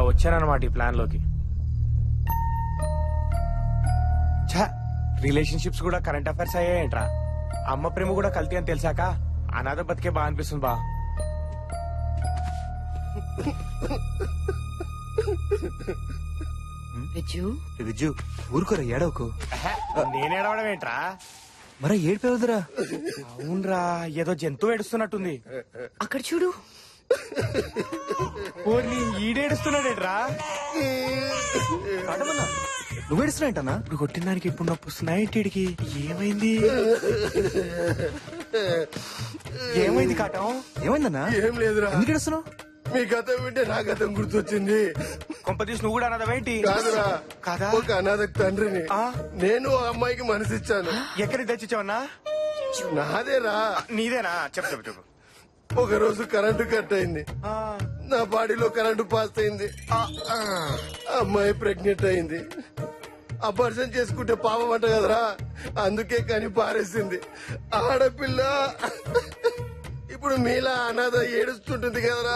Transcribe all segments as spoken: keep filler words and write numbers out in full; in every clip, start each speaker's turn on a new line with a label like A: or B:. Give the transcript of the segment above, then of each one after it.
A: వచ్చానన్నమాట ఈ ప్లాన్ లోకి. ఛా, రిలేషన్షిప్స్ కూడా కరెంట్ అఫైర్స్ అయ్యాయంట్రా. అమ్మ ప్రేమ కూడా కల్తీ అని తెలిసాక అనాథ బతికే బా అనిపిస్తుంది బా.
B: విజ్జు
C: విజ్జు ఊరుకోరా ఏడవకు.
A: నేను ఏడవడం ఏంట్రా?
C: మరా ఏడిపోవద్దురా.
A: అవునరా, ఏదో జంతువు ఏడుస్తున్నట్టుంది.
B: అక్కడ చూడు.
A: ఓర్ని ఈడేడుస్తున్నాడేట్రా?
C: నువ్వు ఏడుస్తున్నా
A: ఇప్పుడు కొట్టిన దానికి ఇప్పుడు నొప్పి వస్తున్నాయి. ఇంటికి ఏమైంది? ఏమైంది కాటం?
C: ఏమైందన్నా?
D: ఏం లేదురా.
C: ఎందుకు ఏడుస్తున్నావు?
D: మీ గతం వింటే నా గతం గుర్తొచ్చింది.
A: కొంపతీసి నువ్వు కూడా అన్నదవేంటి?
D: కాదురా,
A: కాదా?
D: ఒక అనాథకు తండ్రిని.
A: ఆ?
D: నేను ఆ అమ్మాయికి మనసిచ్చాను.
A: ఎక్కడికి తెచ్చిచ్చావన్నా?
D: నాదేరా.
A: నీదేనా? చెప్పు చెప్పు చెప్పు.
D: ఒక రోజు కరెంటు కట్ అయింది.
A: ఆ,
D: నా బాడీలో కరెంటు పాస్ అయింది.
A: ఆ, ఆ.
D: అమ్మాయి ప్రెగ్నెంట్ అయింది. అపర్షన్ చేసుకుంటే పాపం అంట కదరా, అందుకే కానీ పారేసింది. ఆడపిల్ల ఇప్పుడు మీలా అనాథ ఏడుస్తుంటుంది కదరా.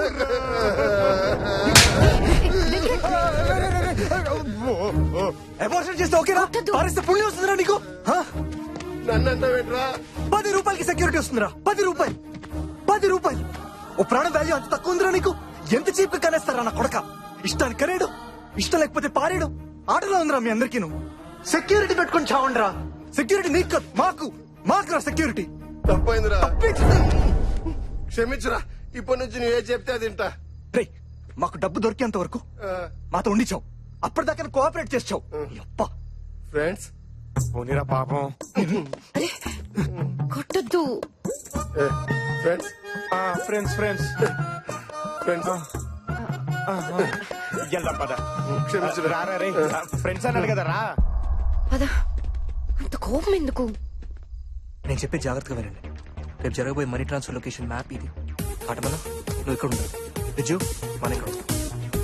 C: అబార్షన్ చేస్తే ఓకేనా? పారిస్తే పుణ్యం వస్తుందిరా నీకు. హా?
D: నన్ను అంటావేంట్రా?
C: పది రూపాయలకి సెక్యూరిటీ వస్తుందిరా. పది రూపాయలు పది రూపాయలు ఓ ప్రాణం వాల్యూ అంత తక్కువ ఉందిరా నీకు? ఎంత చీప్ గా కనేస్తారా నా కొడక? ఇష్టాన్ని కనేడు, ఇష్టం లేకపోతే పారేడు. ఆటలో ఉందిరా మీ అందరికీ. నువ్వు సెక్యూరిటీ పెట్టుకుని చావండిరా. సెక్యూరిటీ నీకు కాదు, మాకు మాకురా సెక్యూరిటీ.
D: తప్పైందిరా, క్షమించురా. ఇప్పటి నుంచి నువ్వు ఏ చెప్తే అది వింటా.
C: రేయ్, మాకు డబ్బు దొరికేంత వరకు
D: ఆ,
C: మాతో ఉండిచావు. అప్పటిదాకా కోఆపరేట్ చేసావు. అప్ప
D: ఫ్రెండ్స్.
A: పోనీరా పాపం.
B: కొట్టద్దు.
D: ఏ, ఫ్రెండ్స్
A: ఫ్రెండ్స్ ఫ్రెండ్స్
D: ఫ్రెండ్స్
A: వెళ్దాం పద.
D: క్షమించురా.
A: రారా రే, ఫ్రెండ్స్ అన్నాడు కదా రా.
B: పద. అంత కోపం ఎందుకు?
C: నేను చెప్పే జాగ్రత్తగా వినండి. రేపు జరగబోయే మనీ ట్రాన్స్ఫర్ లొకేషన్ మ్యాప్ ఇది. ఆటమల నువ్వు ఇక్కడ ఉండాలి. విజు మన ఇక్కడ ఉండాలి.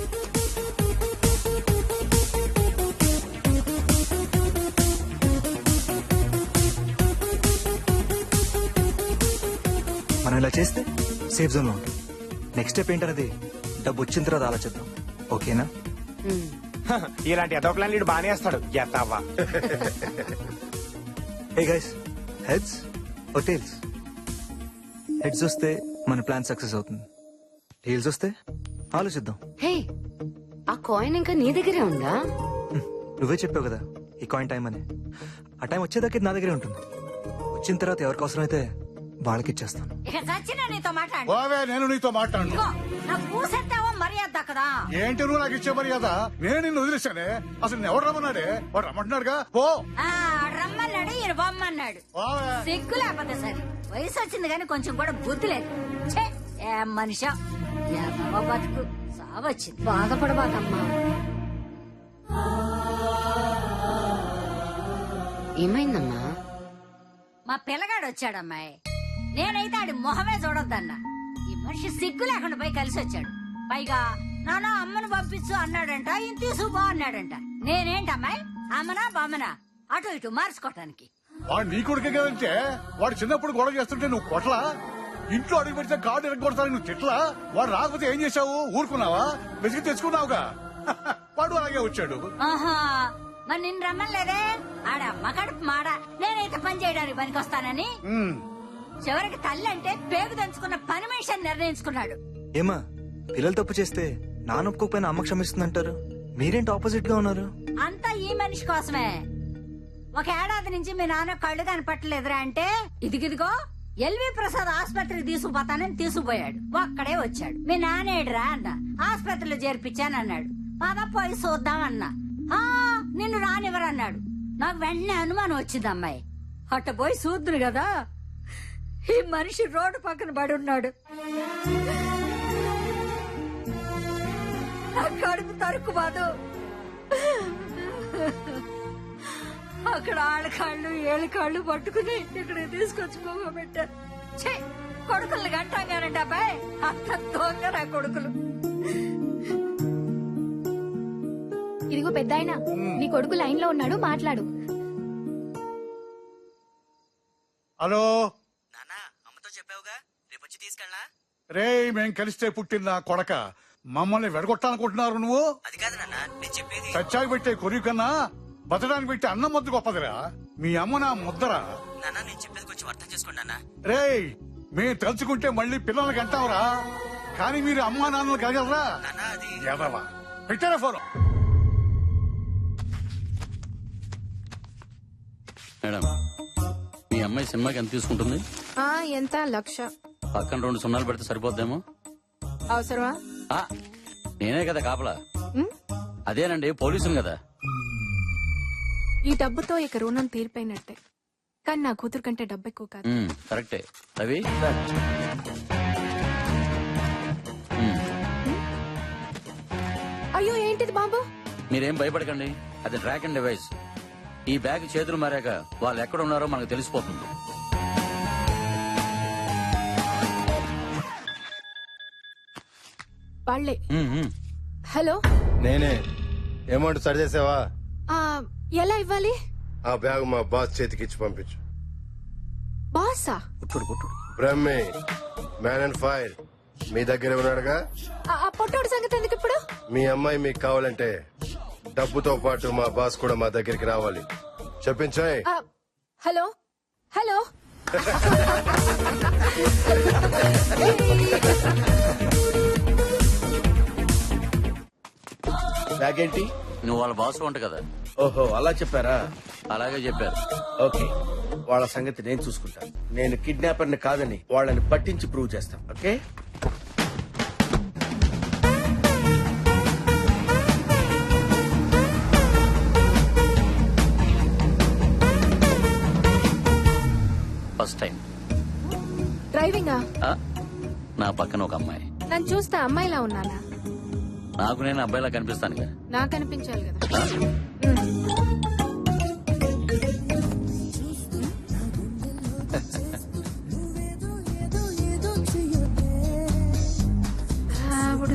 C: మనం ఇలా చేస్తే సేఫ్ జోన్ లో ఉంటాం. నెక్స్ట్ స్టెప్ ఏంటనేది డబ్బు వచ్చిన తర్వాత ఆలోచిద్దాం. ఓకేనా?
A: ఇలాంటి ఎదో ప్లాన్ లీడు బానే వేస్తాడు. ఎత్తావా?
C: Hey guys, heads or tails? Heads వస్తే మన ప్లాన్ సక్సెస్ అవుతుంది. టేల్స్ వస్తే ఆలోచిద్దాం.
B: హే, ఆ కాయిన్ ఇంకా నీ దగ్గరే ఉందా?
C: హ్మ్, నువ్వే చెప్పావు కదా ఈ కాయిన్ టైం అని. ఆ టైం వచ్చేదాకా ఇది నా దగ్గరే ఉంటుంది. వచ్చిన తర్వాత ఎవరికి అవసరం అయితే వాళ్ళకి ఇచ్చేస్తాను.
E: ఇక చచ్చినా నీతో మాట్లాడు.
F: బావే, నేను నీతో మాట్లాడు.
E: ఇదిగో, నాకు పూసెత్తావో మర్యాద దక్కదా?
F: ఏంటి నువ్వు నాకు ఇచ్చే మర్యాద? నేను నిన్ను వదిలేశానే. అసలు నేను ఎవరు రమ్మన్నాడే? వాడు రమ్మంటున్నాడుగా. పో.
E: ఆ, రమ్మన్నాడు, ఈయన బొమ్మన్నాడు.
F: బావే.
E: సిగ్గు లేకపోతే సరే. వయసు వచ్చింది కానీ కొంచెం కూడా బుద్ధి లేదు. ఛే, ఏం మనిషా, ఏమో బతుకు సావచ్చింది.
B: బాధపడబాకమ్మా. ఏమైందమ్మా?
E: మా పిల్లగాడు వచ్చాడమ్మాయి. నేనైతే ఆడి మొహమే చూడొద్దన్నా. ఈ మనిషి సిగ్గు లేకుండా పోయి కలిసి వచ్చాడు. పైగా నాన్న అమ్మను పంపించు అన్నాడంట, ఈయన తీసుకుపో అన్నాడంట. నేనేంటమ్మాయి, అమ్మనా బామ్మనా అటు ఇటు మార్చుకోవటానికి?
F: వాడు నీ కొడుకే కదంటే వాడు చిన్నప్పుడు గొడవ చేస్తుంటే నువ్వు కొట్లా? ఇంట్లో అడుగు పెడితే కార్డు ఎరగొడతాను నువ్వు తిట్లా? వాడు రాకపోతే ఏం చేశావు? ఊరుకున్నావా? వెతికి తెచ్చుకున్నావుగా. వాడు అలాగే వచ్చాడు.
E: ఆహా, మరి నిన్ను రమ్మలేదే? ఆడ అమ్మ కడుపు మాడ. నేనైతే పని చేయడానికి పనికొస్తానని
F: ఉమ్.
E: చివరికి తల్లి అంటే పేగు దంచుకున్న పని మనిషి అని నిర్ణయించుకున్నాడు.
C: ఏమా, పిల్లలు తప్పు చేస్తే నాన్న ఒప్పుకోకపోయినా అమ్మ క్షమిస్తుందంటారు. మీరేంటి ఆపోజిట్ గా ఉన్నారు?
E: అంతా ఈ మనిషి కోసమే. ఒక ఏడాది నుంచి మీ నాన్న కళ్ళు కనపట్టలేదురా అంటే, ఇదిగిదిగో ఎల్వి ప్రసాద్ ఆసుపత్రికి తీసుకుపోతానని తీసుకుపోయాడు. ఒక్కడే వచ్చాడు. మీ నానేడురా అన్న. ఆసుపత్రిలో చేర్పించానన్నాడు. పద పోయి చూద్దామన్నా. ఆ, నిన్ను రానివ్వరన్నాడు. నాకు వెంటనే అనుమానం వచ్చింది అమ్మాయి. అట్ట పోయి చూద్దును కదా, ఈ మనిషి రోడ్డు పక్కన పడి ఉన్నాడు. నా కడుపు తరుకు బాదు. అక్కడ ఆళ్ళ కాళ్ళు ఏళ్ళ కాళ్ళు పట్టుకుని ఇక్కడ తీసుకొచ్చి పోగబెట్టారు. ఛీ, కొడుకుల్ని గంటాగానంటే అబ్బాయి, అంత దొంగ నా కొడుకులు.
G: ఇదిగో పెద్దాయన, నీ కొడుకు లైన్ లో ఉన్నాడు, మాట్లాడు.
F: హలో
C: నాన్న, అమ్మతో చెప్పావుగా రేపు వచ్చి తీసుకెళ్ళా?
F: రే, మేం కలిస్తే పుట్టిన నా కొడక, మమ్మల్ని వెడగొట్టాలనుకుంటున్నారు నువ్వు
C: అది కాదు నాన్న నేను చెప్పేది
F: చచ్చాకి పెట్టే కొరియు కన్నా బతడానికి పెట్టే అన్నం ముద్ద గొప్పదిరా. మీ అమ్మ నా ముద్దరా.
C: నాన్న నేను చెప్పేది కొంచెం అర్థం చేసుకోండి నాన్న.
F: రేయ్ మేము తలుచుకుంటే మళ్ళీ పిల్లలకి అంటావురా, కానీ మీరు అమ్మా నాన్నలు కలగలరా?
C: నాన్న అది
F: ఎదవా పెట్టారా ఫోన్?
H: మేడం, మీ అమ్మాయి సినిమాకి ఎంత తీసుకుంటుంది?
I: ఆ ఎంత లక్ష.
H: పక్కన రెండు సున్నాలు పెడితే సరిపోద్దేమో.
I: అవసరమా?
H: ఆ, నేనే కదా కాపలా.
I: ఉమ్,
H: అదేనండి, పోలీసులు కదా.
I: ఈ డబ్బుతో ఇక రుణం తీరిపోయినట్టే, కానీ నా కూతురు కంటే డబ్బు ఎక్కువ కాదు.
H: ఉమ్, కరెక్టే. రవి ఉమ్,
I: అయ్యో ఏంటిది బాబు?
H: మీరేం భయపడకండి, అది ట్రాక్ అండ్ డివైస్. ఈ బ్యాగ్ చేతులు మారాక వాళ్ళు ఎక్కడ ఉన్నారో మనకు తెలిసిపోతుంది.
I: వాళ్ళే.
H: ఉమ్, ఉమ్.
I: హలో,
D: నేనే. అమౌంట్ సరి చేసావా?
I: ఆ, ఎలా ఇవ్వాలి?
D: ఆ బ్యాగ్ మా బాస్ చేతికి ఇచ్చి పంపించు.
I: బాసా?
D: బ్రహ్మి మ్యాన్ అండ్ ఫైర్ మీ దగ్గర ఉన్నాడుగా.
I: ఆ- ఆ పొట్టోడు సంగతి ఎందుకు ఇప్పుడు?
D: మీ అమ్మాయి మీకు కావాలంటే డబ్బుతో పాటు మా బాస్ కూడా మా దగ్గరికి రావాలి. చెప్పించాయి.
I: ఆ, హలో హలో
J: బ్యాగ్ ఏంటి?
H: నువ్వు వాళ్ళ బాస్ వంట కదా.
J: ఓహో అలా చెప్పారా?
H: అలాగే చెప్పారు.
J: ఓకే, వాళ్ళ సంగతి నేను చూసుకుంటాను. నేను కిడ్నాపర్ ని కాదని వాళ్ళని పట్టించి ప్రూవ్ చేస్తాను. ఓకే,
H: ఫస్ట్ టైం
I: డ్రైవింగా?
H: ఆ, నా పక్కన ఒక అమ్మాయి.
I: నన్ను చూస్తే అమ్మాయిలా ఉన్నానా?
H: నాకు నేను అబ్బాయిలా కనిపిస్తానుగా.
I: నాకు అనిపించాలి కదా.
H: ఆ?
I: ఆవిడ.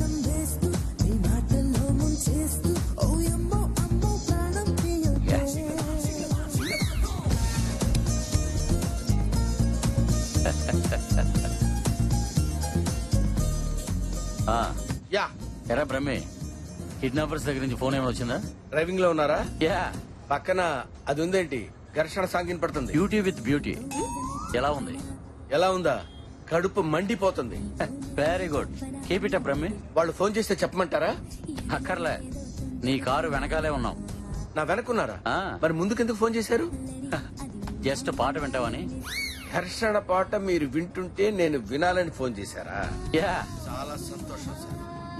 H: ఆ,
J: యా.
H: ఎరా బ్రహ్మి, కిడ్నాపర్స్ దగ్గర నుంచి ఫోన్ ఏమైనా వచ్చిందా?
J: డ్రైవింగ్ లో ఉన్నారా?
H: యా.
J: పక్కన అది ఉందేంటి? ఘర్షణ సాంగిన్ పడుతుంది.
H: Beauty with beauty. ఎలా ఉంది?
J: ఎలా ఉందా? కడుపు మండిపోతుంది.
H: Very good, keep it up Brahmi.
J: వాళ్ళు ఫోన్ చేస్తే చెప్పమంటారా?
H: అక్కర్లే, నీ కారు వెనకాలే ఉన్నాం.
J: నా వెనకున్నారా?
H: ఆ.
J: మరి ముందుకెందుకు ఫోన్ చేశారు?
H: జస్ట్ పాట వింటావని.
J: ఘర్షణ పాట మీరు వింటుంటే నేను వినాలని ఫోన్ చేశారా?
H: యా.
J: చాలా సంతోషం సార్.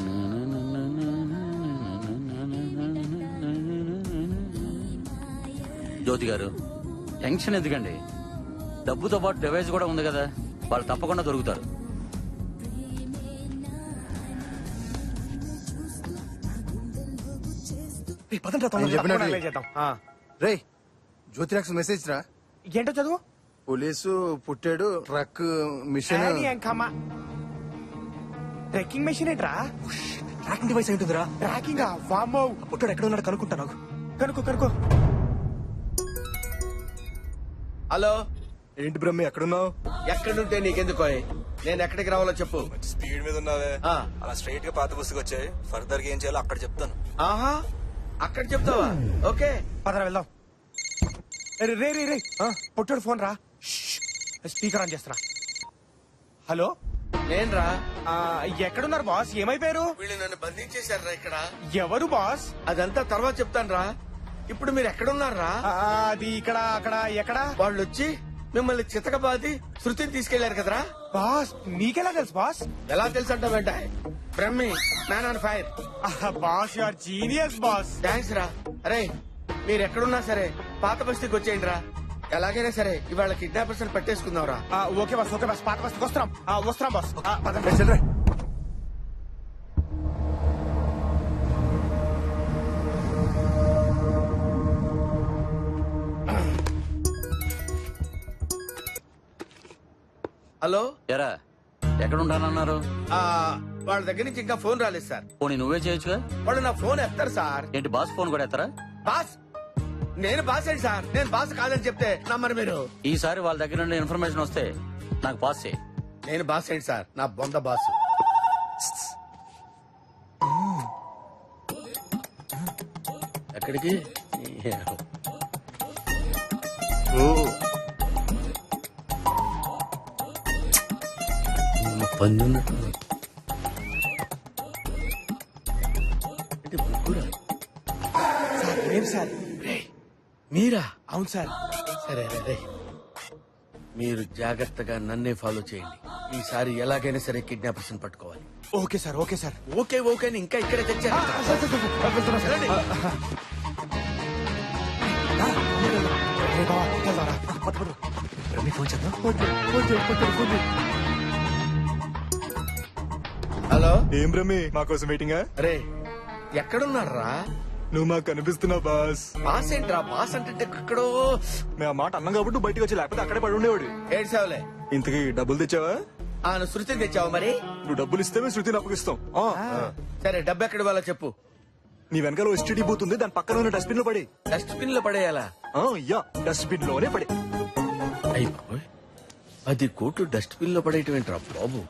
H: జ్యోతి గారు, టెన్షన్ ఎందుకండి? డబ్బుతో పాటు డివైస్ కూడా ఉంది కదా, వాళ్ళు తప్పకుండా దొరుకుతారు.
C: రేయ్, పదండ్రా
D: నేను
C: తొందరగా.
D: చెప్పినట్టు
A: అలాగే చేద్దాం. ఆ,
D: రే జ్యోతిరాక్స్ మెసేజ్ రా.
A: ఏంటో చదువు.
D: పోలీసు పుట్టాడు ట్రక్ మిషన్.
A: డాడీ ఎంకమ్మ. ట్రెక్కింగ్ మెషిన్ ఏంట్రా?
C: ట్రాకింగ్ డివైస్ ఏంటుందిరా?
A: ట్రాకింగ్ వామ్మో.
C: పొట్టాడు ఎక్కడ ఉన్నాడు కనుక్కుంటా నాకు.
A: కనుకో కనుకో.
J: హలో,
C: ఏంటి బ్రహ్మి ఎక్కడున్నావు?
J: ఎక్కడుంటే నీకెందుకో? నేను ఎక్కడికి రావాలో చెప్పు.
C: స్పీడ్ మీద ఉన్నావే.
J: ఆ.
C: అలా స్ట్రైట్ గా పాత బస్సుకి వచ్చాయి. ఫర్దర్ గా ఏం చేయాలో అక్కడ చెప్తాను.
J: ఆహా, అక్కడ చెప్తావా? ఓకే.
A: పదరా వెళ్దాం. రే రే రే రే పొట్టాడు ఫోన్ రా. స్పీకర్ ఆన్ చేస్తున్నా. హలో,
J: నేను రా.
A: ఆ, ఎక్కడున్నారు బాస్? ఏమైపోయారు?
J: వీళ్ళు నన్ను బంధించేశారా ఇక్కడ?
A: ఎవరు బాస్?
J: అదంతా తర్వాత చెప్తాను రా. ఇప్పుడు మీరు ఎక్కడున్నారా?
A: ఆ, అది ఇక్కడ అక్కడ ఎక్కడ?
J: వాళ్ళు వచ్చి మిమ్మల్ని చితకబాది శృతిని తీసుకెళ్లారు కదరా?
A: బాస్ నీకెలా తెలుసు బాస్?
J: ఎలా తెలుసు అంట వెంట బ్రహ్మి మ్యాన్ ఆన్ ఫైర్.
A: ఆహా, boss you are genius boss.
J: Thanks రా. అరే మీరు ఎక్కడున్నా సరే పాత బస్తీకి వచ్చేయండి రా. ఎలాగైనా సరే ఇవాళ కిడ్నాపర్స్ పట్టేసుకుందాం రా.
A: ఆ, ఓకే బాస్, ఓకే బాస్, పాత బస్కి వస్తున్నాం. ఆ, వస్తున్నాం బాస్. ఆ, పదండి.
C: రేయ్, చెల్లిరా.
J: హలో,
H: ఎరా, ఎక్కడ ఉంటానన్నారు?
J: ఆ, వాళ్ళ దగ్గర నుంచి ఇంకా ఫోన్ రాలేదు సార్.
H: పోనీ నువ్వే చేయొచ్చుగా.
J: వాళ్ళు నా ఫోన్ ఎత్తారు సార్.
H: ఏంటి, బాస్ ఫోన్ కూడా ఎత్తరా?
J: బాస్ నేను బాస్ ఏంటి సార్? నేను బాస్ కాదని చెప్తే నమ్మరు మీరు.
H: ఈసారి వాళ్ళ దగ్గర నుండి ఇన్ఫర్మేషన్ వస్తే నాకు పాస్ చేయి.
J: నేను బాస్ ఏంటి సార్? నా బొంద బాస్. ఎక్కడికి పందున్నట్టు
A: సార్ లేదు సార్.
J: మీరా?
A: అవును సార్.
J: సరే రే మీరు జాగ్రత్తగా నన్నే ఫాలో చేయండి. ఈసారి ఎలాగైనా సరే కిడ్నాపర్స్ పట్టుకోవాలి.
A: Okay sir, okay sir.
J: Okay okay అని ఇంకా ఇక్కడే తెచ్చారు.
A: రే బావా, వెళ్దాంరా. పద, పద.
C: రమ్మి ఫోన్ చేద్దాం.
J: హలో
C: ఏం రమ్మి మా కోసం వెయిటింగా?
J: రే ఎక్కడున్నారా?
C: నువ్వు మాకు కనిపిస్తున్నావు బాస్.
J: బాస్ ఏంట్రా? బాస్ అంటే ఎక్కడో.
C: మేము ఆ మాట అన్నాం కాబట్టి బయటకు వచ్చి, లేకపోతే అక్కడే పడి ఉండేవాడు.
J: ఏడ్సావులే.
C: ఇంతకీ డబ్బులు తెచ్చావా?
J: ఆ నువ్వు శృతిని తెచ్చావు మరి?
C: నువ్వు డబ్బులు ఇస్తే మేము శృతిని అప్పగిస్తాం. ఆ.
J: సరే డబ్బు ఎక్కడ వాళ్ళ చెప్పు.
C: నీ వెనకాల ఎస్టీడీ బూత్ ఉంది, దాని పక్కన ఉన్న డస్ట్బిన్ లో పడి.
J: డస్ట్బిన్ లో పడేయాలా?
C: ఆ, యా డస్ట్బిన్ లోనే పడి.
J: అయ్యి బాబోయ్, పది కోట్లు డస్ట్బిన్ లో పడేయటం ఏంట్రా బాబు?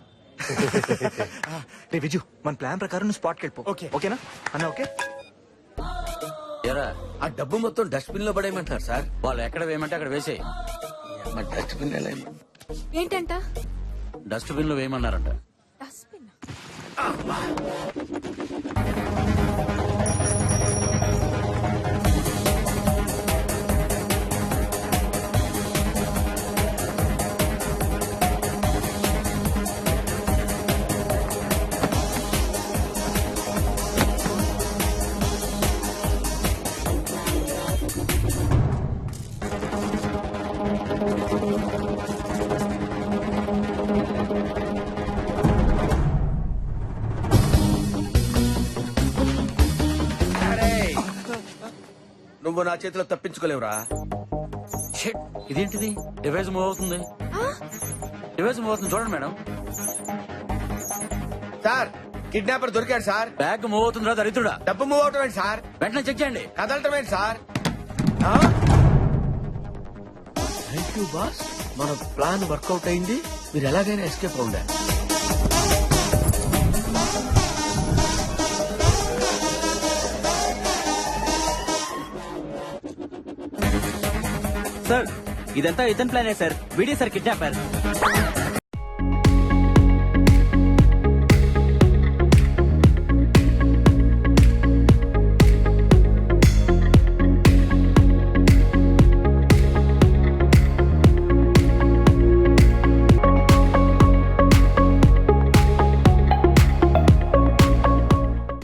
C: రే విజు, మన ప్లాన్ ప్రకారం నువ్వు స్పాట్కి వెళ్ళిపో.
A: ఓకే.
C: ఓకేనా అన్న? ఓకే.
H: ఎరా
J: ఆ డబ్బు మొత్తం డస్ట్బిన్ లో పడేయమంటారు సార్.
H: వాళ్ళు ఎక్కడ వేయమంటే అక్కడ వేసేయి.
J: మా డస్ట్బిన్ ఎలా అయింది?
I: ఏంటంట?
H: డస్ట్బిన్ లో వేయమన్నారంట.
I: డస్ట్బిన్.
J: నువ్వు నా చేతిలో తప్పించుకోలేవురా.
H: షిట్, ఇదేంటిది? డివైస్ మూవ్ అవుతుంది. డివైస్ మూవ్ అవుతుంది చూడండి మేడం.
J: సార్ కిడ్నాపర్ దొరికాడు సార్.
H: బ్యాగ్ మూవ్ అవుతుందిరా దరిద్రుడా.
J: డబ్బు మూవ్ అవటం ఏంటి సార్?
H: వెంటనే చెక్ చేయండి.
J: కదలటం ఏంటి సార్? థ్యాంక్ యూ బాస్, మన ప్లాన్ వర్కౌట్ అయింది. మీరు ఎలాగైనా ఎస్కేప్ అవుండా.
K: సార్ ఇదంతా ఇతని ప్లానే సార్. వీడే సార్ కిడ్నాపర్.